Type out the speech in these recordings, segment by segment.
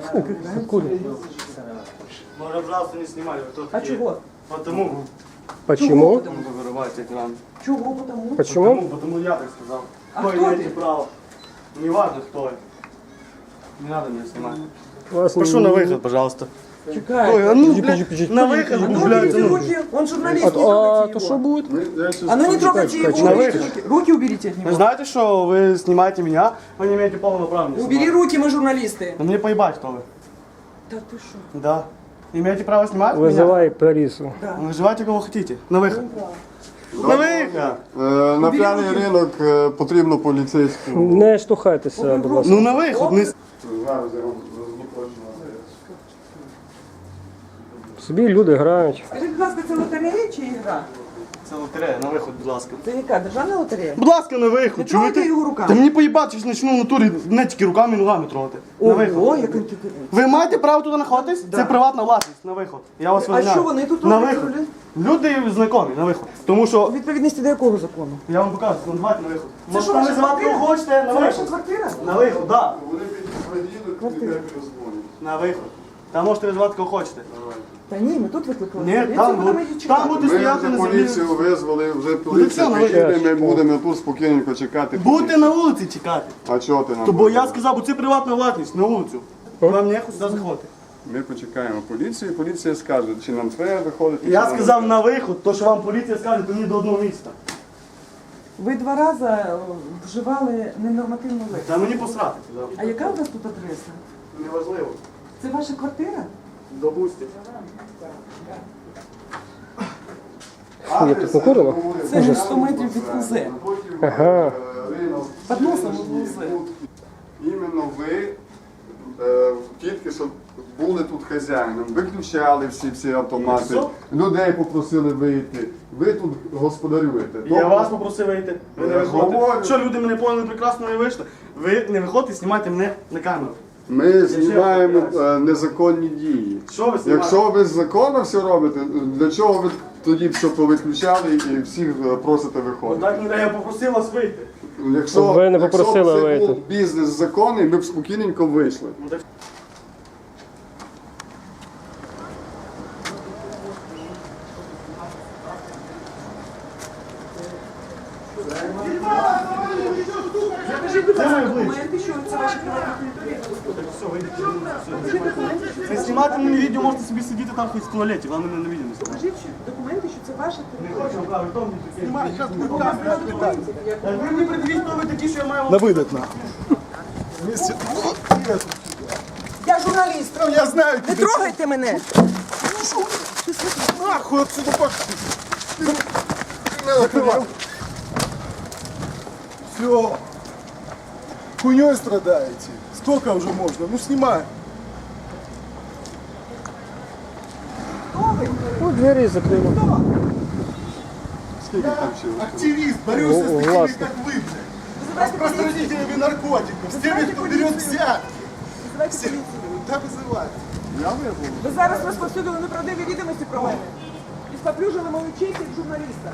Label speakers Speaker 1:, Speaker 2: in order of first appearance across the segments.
Speaker 1: Откуда?
Speaker 2: Може, пожалуйста, не знімай.
Speaker 3: А чого?
Speaker 2: Потому.
Speaker 1: Почему?
Speaker 2: Потому что вырывайте экран.
Speaker 3: Чого? Потому?
Speaker 1: Почему?
Speaker 2: Потому я так сказал.
Speaker 3: А
Speaker 2: Кто
Speaker 3: кто
Speaker 2: имеет
Speaker 3: ты?
Speaker 2: право? Не важно, кто это. Не надо меня снимать.
Speaker 1: Вас
Speaker 2: Прошу на выход, пожалуйста.
Speaker 3: Чекай.
Speaker 2: Ой, а ну,
Speaker 1: Подожди,
Speaker 2: блядь,
Speaker 1: подожди,
Speaker 2: на
Speaker 1: подожди,
Speaker 2: выход,
Speaker 1: подожди,
Speaker 2: блядь,
Speaker 3: Уберите
Speaker 2: ну.
Speaker 3: руки, он журналист, не
Speaker 1: А
Speaker 3: трогайте
Speaker 1: то
Speaker 3: его.
Speaker 1: что будет?
Speaker 3: А ну не трогайте его,
Speaker 1: чекай,
Speaker 3: уберите
Speaker 2: чекай.
Speaker 3: руки. Руки уберите от
Speaker 2: Вы
Speaker 3: него.
Speaker 2: знаете, что вы снимаете меня, вы не имеете полного права меня
Speaker 3: Убери
Speaker 2: снимать.
Speaker 3: руки, мы журналисты.
Speaker 2: Но мне поебать, кто вы.
Speaker 3: Да ты что?
Speaker 2: Да. Имеете право снимать меня?
Speaker 1: Вызывай полицию.
Speaker 3: Да.
Speaker 2: Вызывайте кого хотите. На выход. На выход!
Speaker 4: На п'яний ринок потрібно поліцейську.
Speaker 1: Не штовхайтеся, будь ласка.
Speaker 2: Ну на выход. Не...
Speaker 4: Зараз я вам розблокую.
Speaker 1: Собі люди грають.
Speaker 3: Скажіть, будь ласка, це лотерея чи ігра?
Speaker 2: Це лотерея, на виход, будь ласка.
Speaker 3: Це яка? Державна лотерея?
Speaker 2: Будь ласка, на виход.
Speaker 3: Не трогайте
Speaker 2: чуєте?
Speaker 3: його руками.
Speaker 2: Та мені поїбати, що почну в натурі не тільки руками і ногами трогати. На виход.
Speaker 3: Ого, як він
Speaker 2: Ви маєте право туди знаходитись? Це приватна власність, на виход. Я вас
Speaker 3: А
Speaker 2: визнаю.
Speaker 3: що вони тут
Speaker 2: На
Speaker 3: роблять?
Speaker 2: виход. Люди знайомі, на виход. Тому що,
Speaker 3: У відповідності до якого закону?
Speaker 2: я вам покажу, ну давайте на виход.
Speaker 3: Це що,
Speaker 2: Можете
Speaker 3: ваша
Speaker 2: називати
Speaker 3: квартира?
Speaker 2: кого хочете, на
Speaker 3: Це ваша
Speaker 2: виход.
Speaker 3: квартира?
Speaker 2: На виход, так.
Speaker 4: Вони підійдуть, і тебе перезвонять.
Speaker 2: На виход. Там можете визивати кого хочете.
Speaker 3: Та ні, ми тут викликали.
Speaker 2: Ні,
Speaker 3: поліцію,
Speaker 2: там,
Speaker 3: будемо її чекати.
Speaker 2: там буде
Speaker 4: Ми
Speaker 2: стояти
Speaker 4: вже
Speaker 2: на землі.
Speaker 4: поліцію визвали, вже поліція
Speaker 2: все,
Speaker 4: приїде, ми
Speaker 1: ну,
Speaker 4: будемо тут спокійненько чекати.
Speaker 2: Будете на вулиці чекати.
Speaker 4: А чого ти нам?
Speaker 2: То бо я
Speaker 4: говориш?
Speaker 2: сказав, бо це приватна власність, на вулицю. Вам не сюди заходити.
Speaker 4: Ми почекаємо поліцію, поліція скаже, чи нам треба виходити.
Speaker 2: Я
Speaker 4: чи нам
Speaker 2: сказав
Speaker 4: не
Speaker 2: на виход, то що вам поліція скаже, то мені до одного місця.
Speaker 3: Ви 2 рази вживали ненормативну лексику.
Speaker 2: Та мені посрати.
Speaker 3: А яка у вас тут адреса?
Speaker 2: Неважливо.
Speaker 3: Це ваша квартира?
Speaker 2: Допустим.
Speaker 1: Ні, тут накурено?
Speaker 3: Це ж 100 метрів від УЗ.
Speaker 1: Ага.
Speaker 4: Ринок.
Speaker 3: Під носом в УЗ.
Speaker 4: Іменно ви тільки що були тут хазяїном, виключали всі автомати,
Speaker 2: Що?
Speaker 4: людей попросили вийти. Ви тут господарюєте.
Speaker 2: Я вас попросив вийти. Ви не
Speaker 4: Я
Speaker 2: виходите.
Speaker 4: говорю.
Speaker 2: Що люди мене поняли прекрасно і вийшли? Ви не виходите, знімайте мене на камеру.
Speaker 4: Ми знімаємо незаконні дії.
Speaker 2: Що ви знімаєте?
Speaker 4: Якщо ви законно все робите, для чого ви тоді все повиключали і всіх просите виходити?
Speaker 2: Так, я попросив вас вийти.
Speaker 4: Якщо,
Speaker 1: Ви не
Speaker 4: якщо
Speaker 1: попросили
Speaker 4: б це
Speaker 1: вийти.
Speaker 4: був бізнес законний, ми б спокійненько вийшли.
Speaker 2: Ну, так
Speaker 3: Покажіть, будь ласка, документи, що це ваша приватна територія.
Speaker 2: все, вийдіть.
Speaker 3: Покажіть документи, що
Speaker 2: Ви
Speaker 3: це
Speaker 2: знімати мене відео, можете собі сидіти там хоч в туалеті, вам мене на відео не знімати.
Speaker 3: Покажіть документи, що це ваша територія.
Speaker 2: Хочу, правда, в тому такі.
Speaker 3: У вас нема документів. Як
Speaker 2: Так ви мені придивіть, хто ви такі, що я маю вам...
Speaker 5: На выдох нахуй.
Speaker 3: Я журналіст.
Speaker 5: Я знаю
Speaker 3: Не
Speaker 5: тебя.
Speaker 3: трогайте мене.
Speaker 5: Нахуй отсюда пошли. Закрывай. Все. Хуйней страдаете. Сколько уже можно? Ну снимай.
Speaker 1: Ну, двері закрили.
Speaker 4: Скільки там ще?
Speaker 5: Активист, борюсь с такими,
Speaker 1: властно.
Speaker 5: как вы, блядь. Распространителями наркотиков. С теми, кто берет взятки.
Speaker 3: Визивайте поліцію.
Speaker 5: Да вызывай. Я вызвал.
Speaker 3: Ви зараз розповсюдили неправдиві відомості про мене. І споплюжили мою честь як журналіста.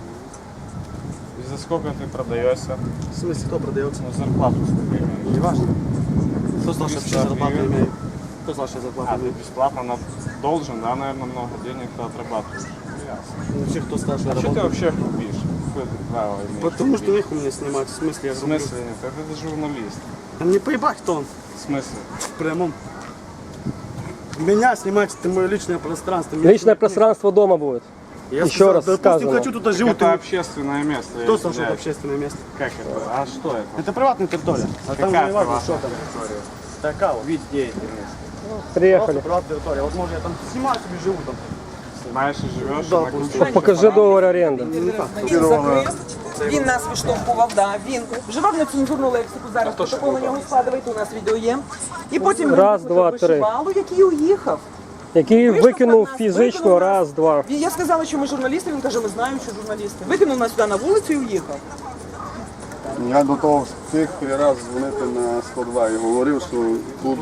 Speaker 6: И за сколько ты продаешься?
Speaker 2: В смысле, кто продается?
Speaker 6: Ну, зарплату сколько имеешь?
Speaker 2: Не важно. Кто сказал, что я
Speaker 6: Бесплатно
Speaker 2: зарплату
Speaker 6: имею.
Speaker 2: имею? Кто сказал, что я зарплату
Speaker 6: А, ты
Speaker 2: имею?
Speaker 6: бесплатно должен, да, наверное, много денег ты отрабатываешь. Ясно.
Speaker 2: Вообще, кто сказал, что я
Speaker 6: А что ты
Speaker 2: работаю?
Speaker 6: вообще хубишь? Какое ты право имеешь?
Speaker 2: Потому что
Speaker 6: хубить?
Speaker 2: их у меня снимать. В смысле, я
Speaker 6: В смысле нет? Это ты журналист.
Speaker 2: Да мне поебать, кто он.
Speaker 6: В смысле?
Speaker 2: В прямом. Меня снимать, это мое личное пространство. Меня
Speaker 1: Личное пространство дома будет.
Speaker 2: Я
Speaker 1: Еще
Speaker 2: сказал,
Speaker 1: раз
Speaker 2: допустим,
Speaker 1: сказано.
Speaker 2: хочу туда живу.
Speaker 6: Это общественное место.
Speaker 2: Кто
Speaker 6: я
Speaker 2: сказал, что это
Speaker 6: извиняюсь.
Speaker 2: общественное место?
Speaker 6: Как это? А что это?
Speaker 2: Это приватная территория. А там
Speaker 6: Какая
Speaker 2: не важно,
Speaker 6: приватная
Speaker 2: что там.
Speaker 6: территория?
Speaker 2: Такая вот.
Speaker 6: Вид деятельности.
Speaker 2: Просто
Speaker 1: Приехали.
Speaker 2: приватная территория. Вот может я там снимаю себе, живу там.
Speaker 6: Снимаешь и живешь
Speaker 2: Да,
Speaker 6: на
Speaker 2: просто.
Speaker 6: ключе.
Speaker 1: Покажи договор оренди.
Speaker 3: Він закрив, він нас виштовхував, да, він вживав нецензурну лексику, зараз протокол на нього складуєте, у нас відео є. І потім він
Speaker 1: Раз,
Speaker 3: викликав
Speaker 1: два, три.
Speaker 3: вишивалу, який уїхав.
Speaker 1: Який
Speaker 3: Вийшов
Speaker 1: викинув
Speaker 3: на нас,
Speaker 1: фізично
Speaker 3: викинув нас.
Speaker 1: раз, два.
Speaker 3: Я сказала, що ми журналісти, він каже, ми знаємо, що журналісти. Викинув нас сюди на вулицю і уїхав.
Speaker 4: Я до того встиг 3 рази дзвонити на 102 і говорив, що тут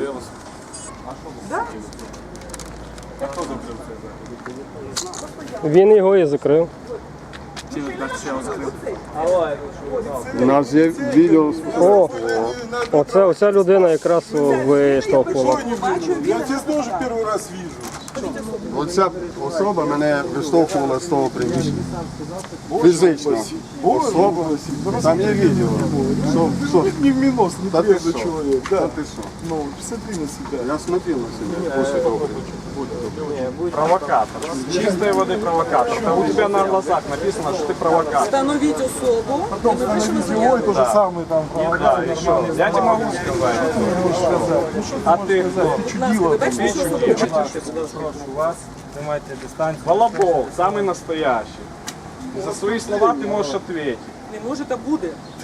Speaker 3: Да?
Speaker 1: Він його і закрив.
Speaker 4: У нас є відео.
Speaker 1: О, оця людина якраз виштовхувала.
Speaker 5: Я тебя тоже первый раз вижу.
Speaker 4: Оця особа мене виштовхувала з того приміщення. Фізично. Особа. Там є відео. Що?
Speaker 5: Не в минус, не
Speaker 4: Та ти
Speaker 5: приезжий
Speaker 4: що?
Speaker 5: человек.
Speaker 4: Та
Speaker 5: Да.
Speaker 4: ти що?
Speaker 5: Ну, посмотри на себя.
Speaker 4: Я смотрел на себе після того.
Speaker 6: Провокатор. Чистой воды провокатор. У тебя на глазах написано, что ты провокатор.
Speaker 3: Встановіть особу, і ми пишемо
Speaker 5: Ой,
Speaker 3: заяву.
Speaker 5: то же самое там.
Speaker 6: Да, еще. Я тебе могу сказать. А ты кто?
Speaker 3: Будь ласка, ви бачите, що особу?
Speaker 6: У вас занимайте дистанцию. Волобов, самый настоящий. И за свои слова ты можешь ответить.
Speaker 3: Не може та буде.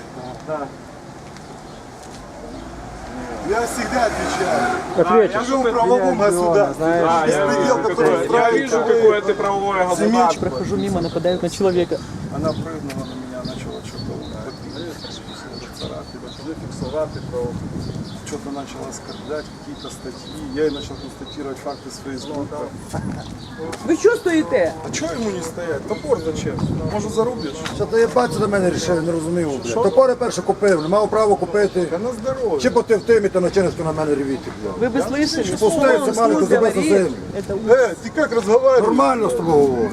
Speaker 5: Я всегда отвечаю.
Speaker 1: Ответишь.
Speaker 6: Я
Speaker 5: Живу в правовом государстве.
Speaker 6: Да,
Speaker 5: Беспредел, который
Speaker 6: я
Speaker 5: устраивает
Speaker 6: вижу,
Speaker 5: такой-
Speaker 6: какое ты правовое государство.
Speaker 3: Прохожу мимо, нападають на чоловіка.
Speaker 5: Она прыгнула на меня, начала что-то царапать, зафиксовать, что-то начала оскорблять, какие-то статьи. Я ей начал констатировать факты с Фейсбука.
Speaker 3: Ви що стоїте?
Speaker 5: А чого йому не стоять? Топор зачем? Може зарубиш?
Speaker 7: Що ти бачиш до мене рішив, не розумів, блядь. Топори перше купив, не мав права купити.
Speaker 5: Та на здоров'я.
Speaker 7: Чи потив тим і то начинсько на мене ревіти, блядь.
Speaker 3: Ви безлишені?
Speaker 7: Пустився, маленько забив на землю.
Speaker 5: Ти як розговариваєш?
Speaker 7: Нормально з тобою говорю.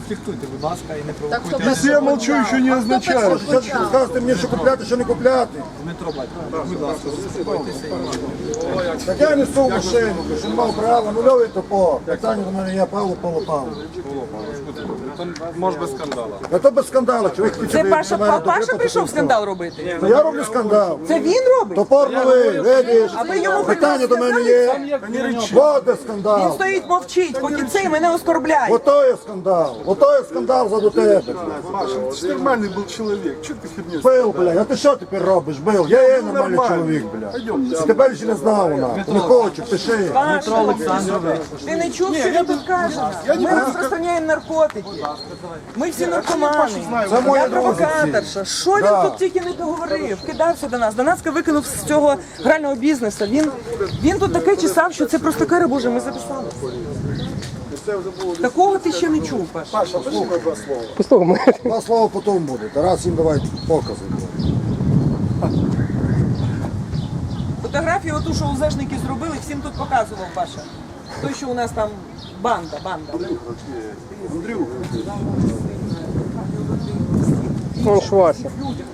Speaker 5: Если я молчу, еще не означает.
Speaker 7: Що ти сказати мені, що купляти, що не купляти? Так я несу в машину, що не мав права, нульовий топор. Питання до мене є, Павло, Павло.
Speaker 6: Может быть скандала.
Speaker 7: А то без скандалу, чоловік хотів
Speaker 3: Це
Speaker 7: би
Speaker 3: Паша,
Speaker 7: до мене добре
Speaker 3: Паша прийшов
Speaker 7: потім
Speaker 3: скандал робити?
Speaker 7: То я роблю скандал.
Speaker 3: Це він робить?
Speaker 7: Топор новий, видиш?
Speaker 3: А ви йому
Speaker 7: Питання до мене є. Вот де
Speaker 3: Він
Speaker 7: скандал.
Speaker 3: стоїть, мовчить, поки цей мене оскорбляє.
Speaker 7: Ото є скандал. Ото є скандал за до тебе.
Speaker 5: Маша, ты же нормальный был человек. Что ты херню?
Speaker 7: Бил, блядь, а ти що тепер робиш? Бил. Я є нормальний чоловік, блядь. І тебе ще не знав вона. Не хочу, пиши.
Speaker 3: Паша Олександрович, ти не чув, що він тут каже? Ми розпространяємо наркотики. Ми всі наркомани.
Speaker 7: Це моя
Speaker 3: Я
Speaker 7: друзі.
Speaker 3: провокаторша. Що він
Speaker 7: Да.
Speaker 3: тут тільки не договорив? Кидався до нас. Донацька викинув з цього грального бізнесу. Він тут таке чесав, що це просто кара Божа, ми записали. Такого ти ще не чув, Паша.
Speaker 5: Паша, послухай два слова.
Speaker 1: Послухай,
Speaker 7: Два слова потім буде. Тарас їм давай покази.
Speaker 3: Фотографію оту, що УЗшники зробили, всім тут показував Паша. Той, що у нас там банда.
Speaker 1: он Швася.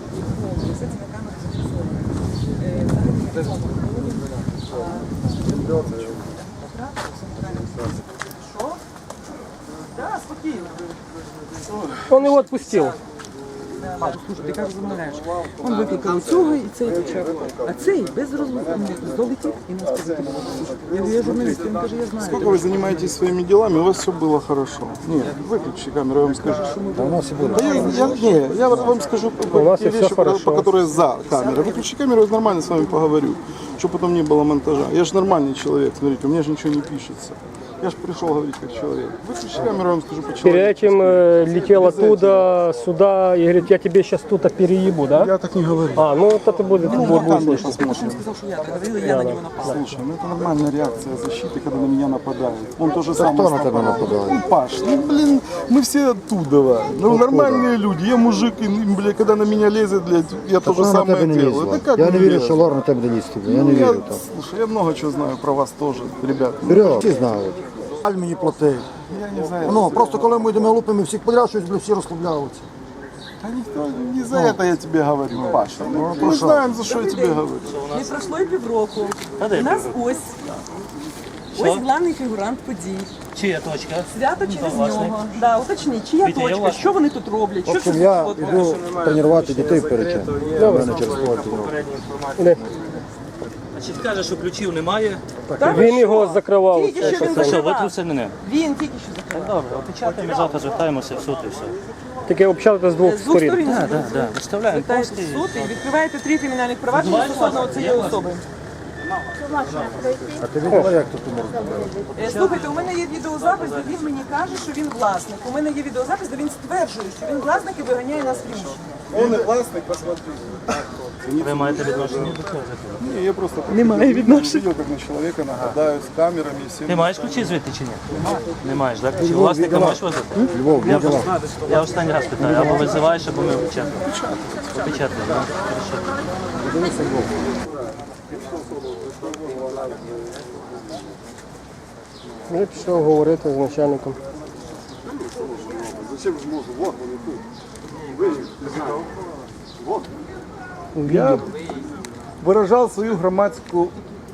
Speaker 3: Так, спокійно.
Speaker 1: Он его отпустил.
Speaker 3: Слушай, ти кажеш, замовляєш. Он викликав цього і цей почав. А цей без розмови долетів і нас позитив. Я говорю, я журналіст, він каже, я знаю.
Speaker 5: Сколько вы занимаетесь своими делами, у вас все было хорошо. Нет, выключи камеру, я вам скажу.
Speaker 7: А у нас і буде.
Speaker 5: Да я вам скажу
Speaker 1: У нас
Speaker 5: те
Speaker 1: и всё
Speaker 5: вещи,
Speaker 1: хорошо.
Speaker 5: по которые за камерой. Выключи камеру, я нормально с вами поговорю. Чтобы потом не было монтажа. Я же нормальный человек, смотрите, у меня же ничего не пишется. Я же пришел говорить как человек. Выключи камеру, я вам скажу
Speaker 1: Перед
Speaker 5: по-человечески.
Speaker 1: этим летел оттуда сюда и говорит, я тебе сейчас тут переебу, да?
Speaker 5: Я так не говорю.
Speaker 1: А, ну вот это будет, будет
Speaker 5: Камеру
Speaker 1: слышно.
Speaker 5: посмотрим.
Speaker 3: Сказав, що я так говорила, я на нього напала.
Speaker 5: Слушай, ну это нормальная реакция защиты, когда на меня нападают. Он тоже
Speaker 7: Хто
Speaker 5: самое.
Speaker 7: на тебе нападає?
Speaker 5: Ну, Паш, ну блин, мы все оттуда. Ну нормальные люди. Я мужик, и, блядь, когда на меня лезет, блядь, я то же
Speaker 7: Вона на
Speaker 5: самое
Speaker 7: тебе не
Speaker 5: делаю.
Speaker 7: лізла.
Speaker 5: Это как
Speaker 7: Я не вірю,
Speaker 5: лезет?
Speaker 7: що Лор на тебе не лізти. Я не
Speaker 5: Я,
Speaker 7: вірю там.
Speaker 5: слушай, я много чего знаю про вас тоже, ребят.
Speaker 7: Вперед, всі знають. Аль мені платить.
Speaker 5: Я не знаю.
Speaker 7: Ну, просто коли ми йдемо лупимо всіх подряд, щось всі розслабляються.
Speaker 5: Да никто, не за это я тебе говорю, Паша. Мы знаем, за что я тебе говорю.
Speaker 3: Не пройшло і півроку. У нас ось главний фігурант подій.
Speaker 8: Чия точка?
Speaker 3: Свято через нього. Да, уточніть, чия
Speaker 8: Вітя, я
Speaker 3: точка,
Speaker 8: вас-
Speaker 3: що вони тут роблять,
Speaker 7: В
Speaker 3: що
Speaker 7: общем,
Speaker 3: це
Speaker 7: я
Speaker 3: за фото?
Speaker 7: йду тренувати дітей перед чим. У мене через поле.
Speaker 8: Значить, каже, що ключів немає.
Speaker 1: Він його закривав.
Speaker 3: Тільки що він
Speaker 8: Та що,
Speaker 3: закривав.
Speaker 8: витрусив мене?
Speaker 3: Він тільки що закривав.
Speaker 8: Добре, опечатаємо, завтра звертаємося в суд і все.
Speaker 1: Таке общалися з двох
Speaker 3: З двох
Speaker 1: сторін.
Speaker 3: сторін.
Speaker 8: Так, виставляємо
Speaker 3: Звертаєтесь
Speaker 8: пости.
Speaker 3: в суд і відкриваєте 3 кримінальних провадження стосовно цієї особи.
Speaker 7: А ти відомо, як тут можна робити?
Speaker 3: Слухайте, у мене є відеозапис, де він мені каже, що він власник. У мене є відеозапис, де він стверджує, що він власник і виганяє нас з приміщення.
Speaker 5: Он и властный, посмотри.
Speaker 8: Ви маєте відношення до цього?
Speaker 5: Не, я просто
Speaker 3: Немає відношення.
Speaker 5: видел, как на человека нападают с камерами и всем.
Speaker 8: Ти маєш ключі звідти чи ні? Не маєш, так? Чи власника можеш возити?
Speaker 7: Львов, відомо.
Speaker 8: Я останній раз питаю, або визиваєш, або ми опечатаємо. Опечатаємо, так?
Speaker 1: Я пішов говорити з начальником.
Speaker 4: Зачем ж можу? Вот вони тут. Ви їх не знаєте. Вот.
Speaker 5: Я выражал свою громадскую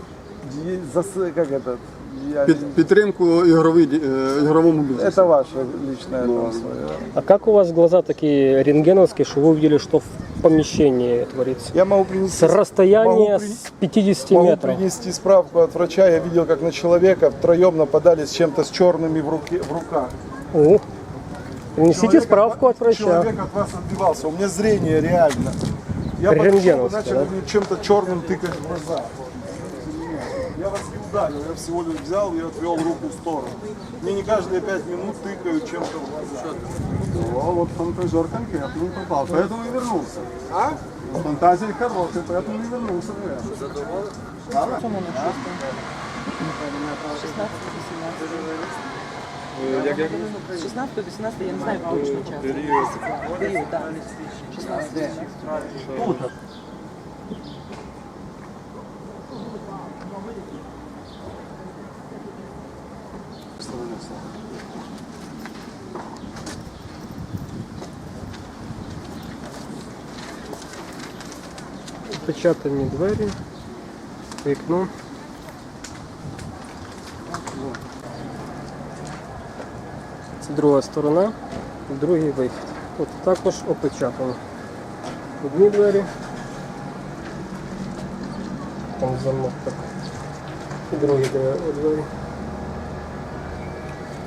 Speaker 4: Підтримку ігровому бізнесу.
Speaker 5: Это ваше личное там свое.
Speaker 1: А как у вас глаза такие рентгеновские, что вы увидели, что в помещении творится?
Speaker 5: Я могу принести,
Speaker 1: С расстояния
Speaker 5: могу при-
Speaker 1: с 50
Speaker 5: могу
Speaker 1: метров.
Speaker 5: принести справку от врача. Я видел, как на человека втроем нападали с чем-то с черными в руках.
Speaker 1: О, принесите
Speaker 5: Человек
Speaker 1: справку от врача.
Speaker 5: Человек от вас отбивался. У меня зрение реально. Я подошел,
Speaker 1: Рентгеновское,
Speaker 5: начали
Speaker 1: да?
Speaker 5: мне чем-то черным тыкать в глаза. Я вас не ударил, я всего лишь взял и отвел руку в сторону. Мне не каждые 5 минут тыкают чем-то в глаза.
Speaker 4: Вот фантазер конкретно попал, поэтому и вернулся. А? Фантазия хорошая, поэтому и вернулся. Правда?
Speaker 3: 16 до 18, я не знаю точно час. Період, так. 16.
Speaker 1: Опечатані двері, вікно. Це друга сторона, другий вихід. Тут також опечатано. Одні двері. Там замок так. І другі двері.